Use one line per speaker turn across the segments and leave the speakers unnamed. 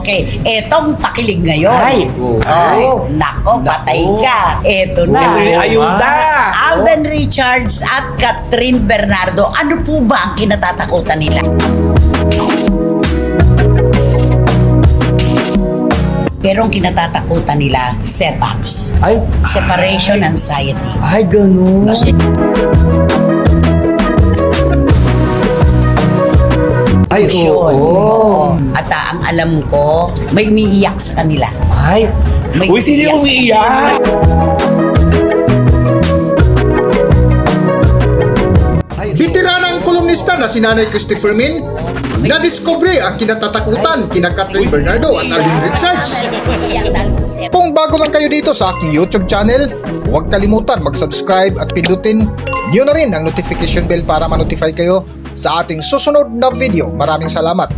Okay, etong pakilig ngayon.
Ay,
Nako, patay ka. Eto na.
Ayuda!
Alden Richards at Catherine Bernardo, ano po ba ang kinatatakutan nila? Pero ang kinatatakutan nila, setbacks.
Ay,
Separation anxiety.
ay, ganun.
Kasi
Ay,
yun.
oo.
At ang alam ko, may umiiyak sa kanila.
Ay,
May
uy, sino yung umiiyak?
Bitiranang kolumnista na si Nanay Christopher Min, nadiskubre ang kinatatakutan kina Catherine Bernardo at Alden Richards.
Umiiyak dahil sa setbacks.
Kung bago lang kayo dito sa aking YouTube channel, huwag kalimutan mag-subscribe at pindutin niyo na rin ang notification bell para ma-notify kayo sa ating susunod na video. Maraming salamat.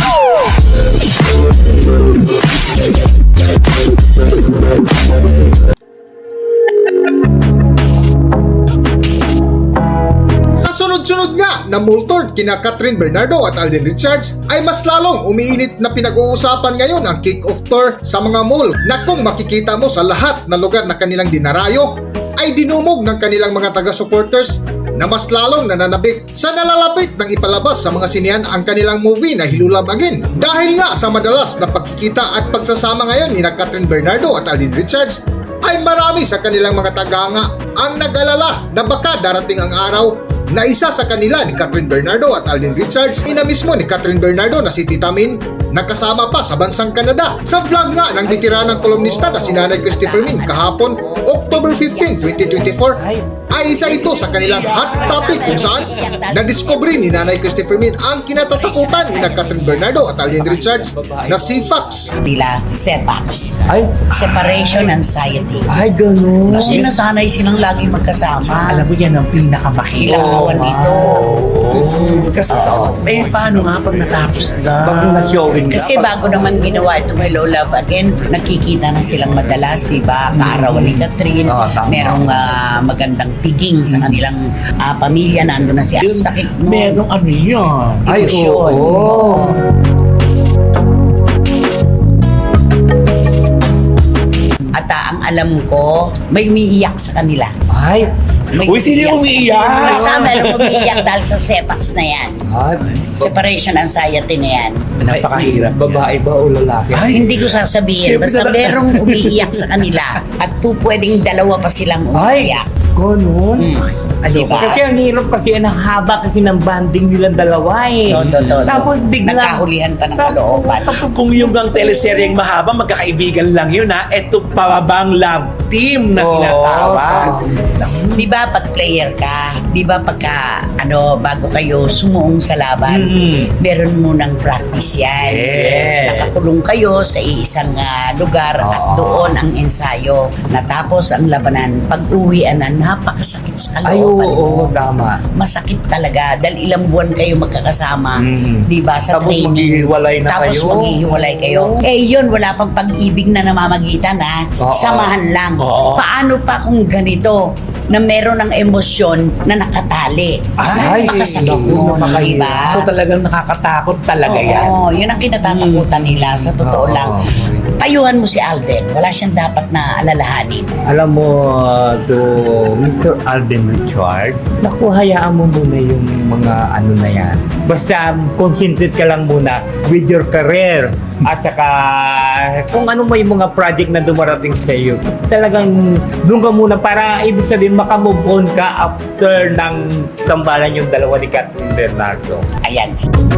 Sa sunod-sunod nga na multord kina Catherine Bernardo at Alden Richards ay mas lalong umiinit na pinag-uusapan ngayon ang kick-off tour sa mga mall na kung makikita mo sa lahat na lugar na kanilang dinarayo ay dinumog ng kanilang mga taga-supporters na mas lalong nananabik sa nalalapit ng ipalabas sa mga sinihan ang kanilang movie na Hilulab Again. Dahil nga sa madalas na pagkikita at pagsasama ngayon ni Catherine Bernardo at Alden Richards ay marami sa kanilang mga tagahanga ang nag-alala na baka darating ang araw na isa sa kanila ni Catherine Bernardo at Alden Richards, ina mismo ni Catherine Bernardo na si Tita Min, nakasama pa sa bansang Canada. Sa vlog nga ng bitiranang kolumnista na si Nanay Christopher Min kahapon, October 15, 2024, ay isa ito sa kanilang hot topic kung saan nadiskubre ni Nanay Christopher Min ang kinatatakutan ni Catherine Bernardo at Alden Richards na si Fox.
Nila, setbacks.
Ay,
Separation anxiety.
ay, ganun.
Kasi nasanay silang lagi magkasama.
Alam mo yan ang pinakamahirap.
Kailangan nito.
Kasi, paano nga pag natapos
Pag
na?
na-showing na.
Kasi bago naman ginawa itong Hello Love Again, nakikita na silang madalas, di ba? Kaarawan ni Catherine,
Oo, tama.
merong magandang tiging sa kanilang pamilya, nandun na siya. Sakit mo.
Merong ano yan.
Ay,
Emosyon.
oo.
At ang alam ko, may umiiyak sa kanila.
Ay,
May
uy, sino yung
umiiyak sa-
umiiyak?
Basta merong umiiyak dahil sa setbacks na yan.
Ay,
Separation anxiety na yan.
Napakahirap.
babae ba o lalaki?
Hindi ko sasabihin.
Siyempre
Basta merong umiiyak sa kanila. At pwedeng dalawa pa silang
Ay,
umiiyak.
ganun.
Diba?
Kasi ang hirap kasi, ang haba kasi ng banding nilang dalawa eh.
Todo.
Tapos biglang
Nagkahulihan pa ng kalooban.
Kung yung gang teleseryeng mahaba, magkakaibigan lang yun ha. Ito pa bang love team na
Oo,
tinatawag?
Di ba pag player ka, di ba pagka bago kayo sumuong sa laban, meron munang practice yan.
Yes.
Nakakulong kayo sa isang lugar at doon ang ensayo. Natapos ang labanan, pag-uwian na napakasakit sa
Ay,
kalooban.
oo, tama.
Masakit talaga dahil ilang buwan kayo magkakasama, di ba, sa
Tapos
training.
maghihiwalay na
Tapos
kayo.
maghihiwalay kayo. Yun, wala pang pag-ibig na namamagitan ha.
Oo.
Samahan lang.
Oo.
Paano pa kung ganito na meron ng emosyon na nakatali?
Ay,
Napakasakit
naku,
nun,
napakahirap.
di ba?
So talagang nakakatakot talaga yan.
Oo, yun ang kinatatakutan nila sa totoo
Oo.
lang. Payuhan mo si Alden. Wala siyang dapat na alalahanin.
Alam mo, to Mr. Alden Richard, naku, hayaan mo muna yung mga ano na yan. Basta concentrate ka lang muna with your career. At saka kung ano may mga project na dumarating sa iyo, talagang doon ka muna para ibig sabihin makamove on ka after ng tambalan yung dalawa ni Catherine Bernardo.
Ayan.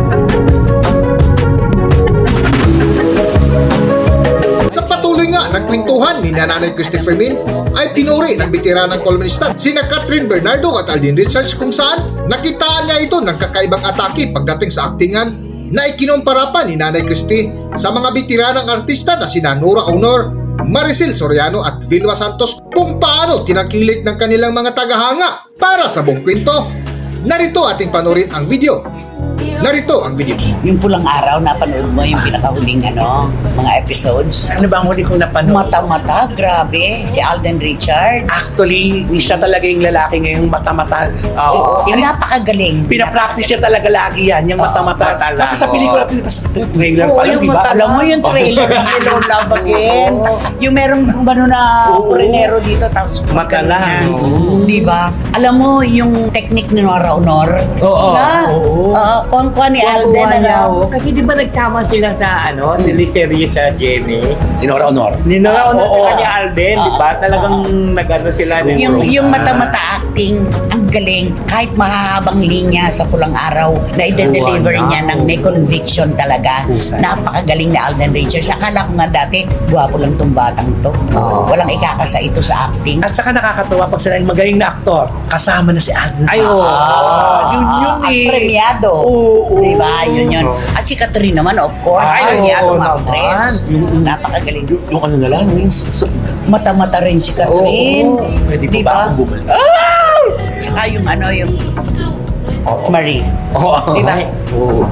Sa patuloy nga ng kwentuhan ni Nanay Christopher Min ay pinuri ng bitiranang kolumnista sina Catherine Bernardo at Alden Richards kung saan nakitaan niya ito ng kakaibang atake pagdating sa aktingan na ikinumpara pa ni Nanay Christie sa mga bitiranang artista na sina Nora Aunor, Maricel Soriano at Vilma Santos kung paano tinangkilik ng kanilang mga tagahanga. Para sa buong kwento, narito ating panorin ang video. Narito ang video.
Yung Pulang Araw, napanood mo yung pinakahuling mga episodes?
Ano ba ang huli kong napanood?
Mata-mata, grabe. Si Alden Richards.
Actually, siya talaga yung lalaki ngayong mata-mata.
Napakagaling.
Pinapractice niya talaga lagi yan, yung mata-mata.
mata lang,
Kasi sa pelikula, sa trailer
Oo,
pa lang,
yung
di ba?
alam mo yung trailer ng Hello Love Again. Yung merong na foreignero dito, tapos
Mata lang.
Di ba? Alam mo yung technique ni Nora Honor?
Oo.
Na,
Oo.
kuha ni Alden,
Kasi di ba nagsama sila sa teleserye sa Jenny?
Inora Honor.
Ninara na
Oo.
sa kanya Alden, di ba? Talagang nag-ano sila.
Yung mata-mata acting, ang galing. Kahit mahahabang linya sa Pulang Araw, na ide-deliver
Wow.
niya ng may conviction talaga.
Husay.
Napakagaling ni Alden Richards. Akala ko nga dati, gwapo lang tong batang to.
Oo.
Walang ikakasa ito sa acting.
At saka nakakatuwa pag sila yung magaling na aktor, kasama na si Alden.
Ay, oo.
Yun
Ang
eh.
premiado.
Oo.
Di ba? Yun. At si Catherine naman, of course.
Ay,
premiado
oo
actress.
naman.
Napakagaling.
Yung ano na lang,
Mata-mata rin si Catherine.
Oo.
pwede
Di
po ba
ba?
akong bumalik?
Tsaka yung Marie.
Oo.
Di ba?
Oo.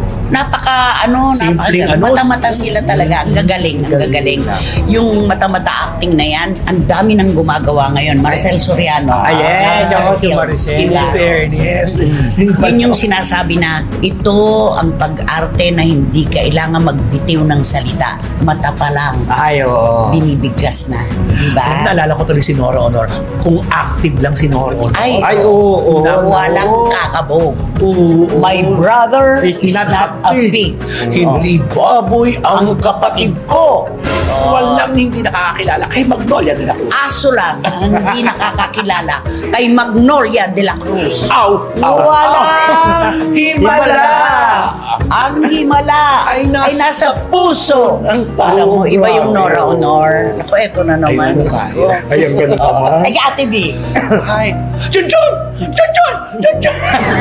Simpleng
mata-mata sila talaga. Ang gagaling. Yung mata-mata acting na yan, ang dami nang gumagawa ngayon. Marcel Soriano.
yes, ako si
Films,
Maricel.
di ba?
Fairness.
Yun yung sinasabi na ito ang pag-arte na hindi kailangan magbitiw ng salita. Mata pa lang,
Ay, oo.
binibigkas na. Di ba?
Naalala ko tuloy si Nora Honor. Kung active lang si Nora Honor.
Ay, oo.
Walang kakabog.
Oo.
My brother
Is
is
not
not a pig.
Hindi baboy ang kapatid ko. Walang hindi nakakakilala kay Magnolia de la Cruz.
Aso lang ang hindi nakakakilala kay Magnolia de la Cruz. Walang
Himala!
Ang himala
Ay nasa
puso.
ang tao.
Alam mo, iba yung
grabe.
Nora Honor. Ako, eto na naman.
Ayun,
Diyos
ayun.
ko.
Ay, ang ganun naman.
Ay, Ate B.
Ay, Junjun! Junjun! Junjun!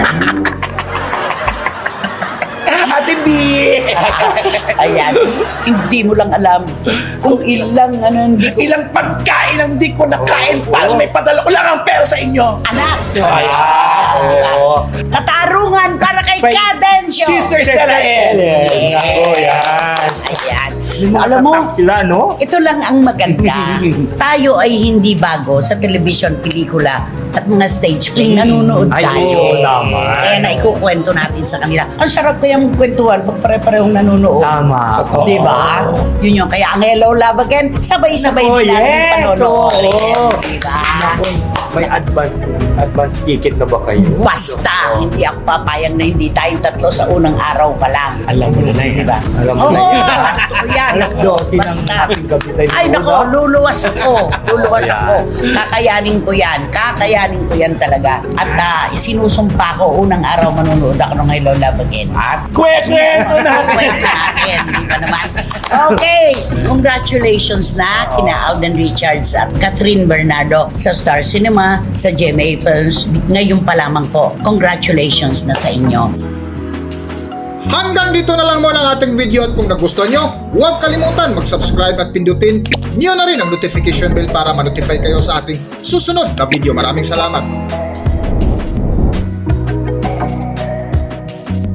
Ate B!
Ayan. Hindi mo lang alam kung ilang
Ilang pagkain ang di ko nakain para may padala ko lang ang pera sa inyo.
anak.
Oo.
Katarungan para kay Cadencio.
Sister Stella Ellen.
Ako, yan.
Ayan. Alam mo,
Sila, no?
ito lang ang maganda. Tayo ay hindi bago sa television, pelikula at mga stage play. Nanonood
Ay,
tayo.
oo naman.
Kaya naikukwento natin sa kanila. Ang sarap kayang kwentuhan pag pare-parehong nanonood.
Tama.
Di ba? Yun yung kaya ang Hello Love Again, sabay-sabay
Oh,
din natin
yes.
panonood.
Oo.
Di ba?
May advance ticket na ba kayo?
Basta, hindi ako papayag na hindi tayong tatlo sa unang araw pa lang.
Alam mo na na yan.
Di ba?
Alam mo
Oo,
na yan.
totoo yan.
Alas 12 ng
Basta.
ating gabi tayo.
Ay, nako, luluwas ako. Luluwas
Ayan.
ako. Kakayanin ko yan talaga. At isinusumpa ko, unang araw manunood ako ng Hello Love Again. At
Kwento natin.
kwento natin, di ba naman? Okay, congratulations na kina Alden Richards at Catherine Bernardo sa Star Cinema, sa GMA Films. Ngayon pa lamang po, congratulations na sa inyo.
Hanggang dito na lang muna ang ating video at kung nagustuhan nyo, huwag kalimutan mag-subscribe at pindutin nyo na rin ang notification bell para ma-notify kayo sa ating susunod na video. Maraming salamat!